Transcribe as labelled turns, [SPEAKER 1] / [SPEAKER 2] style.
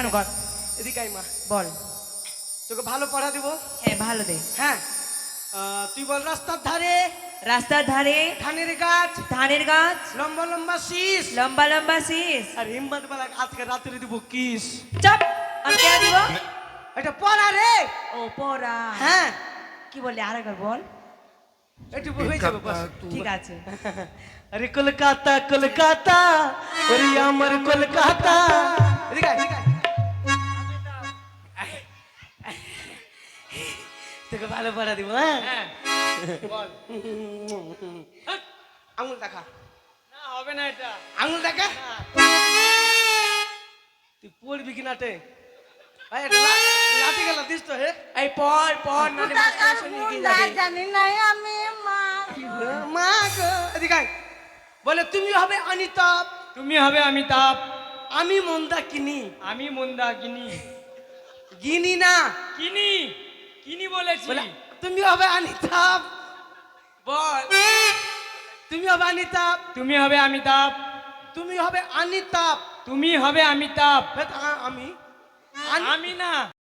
[SPEAKER 1] কর
[SPEAKER 2] এদিকে আয় মা,
[SPEAKER 1] বল।
[SPEAKER 2] তোকে ভালো পড়া দিব।
[SPEAKER 1] হ্যাঁ ভালো দে।
[SPEAKER 2] হ্যাঁ, তুই বল রাস্তার ধারে
[SPEAKER 1] রাস্তার ধারে
[SPEAKER 2] ধানের গাছ,
[SPEAKER 1] ধানের গাছ,
[SPEAKER 2] লম্বা লম্বা শীষ,
[SPEAKER 1] লম্বা লম্বা শীষ।
[SPEAKER 2] আর হিম্মত বেলা আজকে রাত্রে দিব কিস।
[SPEAKER 1] চাপ, আমি কেন দিব?
[SPEAKER 2] এটা পড়া রে।
[SPEAKER 1] ও পড়া।
[SPEAKER 2] হ্যাঁ,
[SPEAKER 1] কি বললি আরেকবার বল।
[SPEAKER 2] একটু হয়ে যাবে বাস।
[SPEAKER 1] ঠিক আছে।
[SPEAKER 2] আরে কলকাতা কলকাতা, ওরে আমার কলকাতা। এদিকে আয়, এদিকে আয়। তোকে ভালো পড়া দিব। হ্যাঁ,
[SPEAKER 3] বল।
[SPEAKER 2] আঙুল দেখা,
[SPEAKER 3] না হবে না এটা।
[SPEAKER 2] আঙুল দেখা। তুই পড়বি কি নাটে? ভাই এটা লাঠি গেল দিস তো। হে
[SPEAKER 1] এই পড় পড়, নালে মাস্টার শুনে কি যাবে।
[SPEAKER 4] জানি না আমি মা।
[SPEAKER 2] মা গো, এদিকে আয়। বলে তুমি হবে অনিতাপ,
[SPEAKER 3] তুমি হবে অমিতাভ,
[SPEAKER 2] আমি মন্দা কিনি।
[SPEAKER 3] আমি মন্দা কিনি।
[SPEAKER 2] গিনি না,
[SPEAKER 3] কিনি, কিনি বলেছি।
[SPEAKER 2] বলে তুমি হবে অনিতাপ।
[SPEAKER 1] বল।
[SPEAKER 2] তুমি হবে অনিতাপ,
[SPEAKER 3] তুমি হবে অমিতাভ,
[SPEAKER 2] তুমি হবে অনিতাপ।
[SPEAKER 3] তুমি হবে অমিতাভ।
[SPEAKER 2] আমি
[SPEAKER 3] আমি না।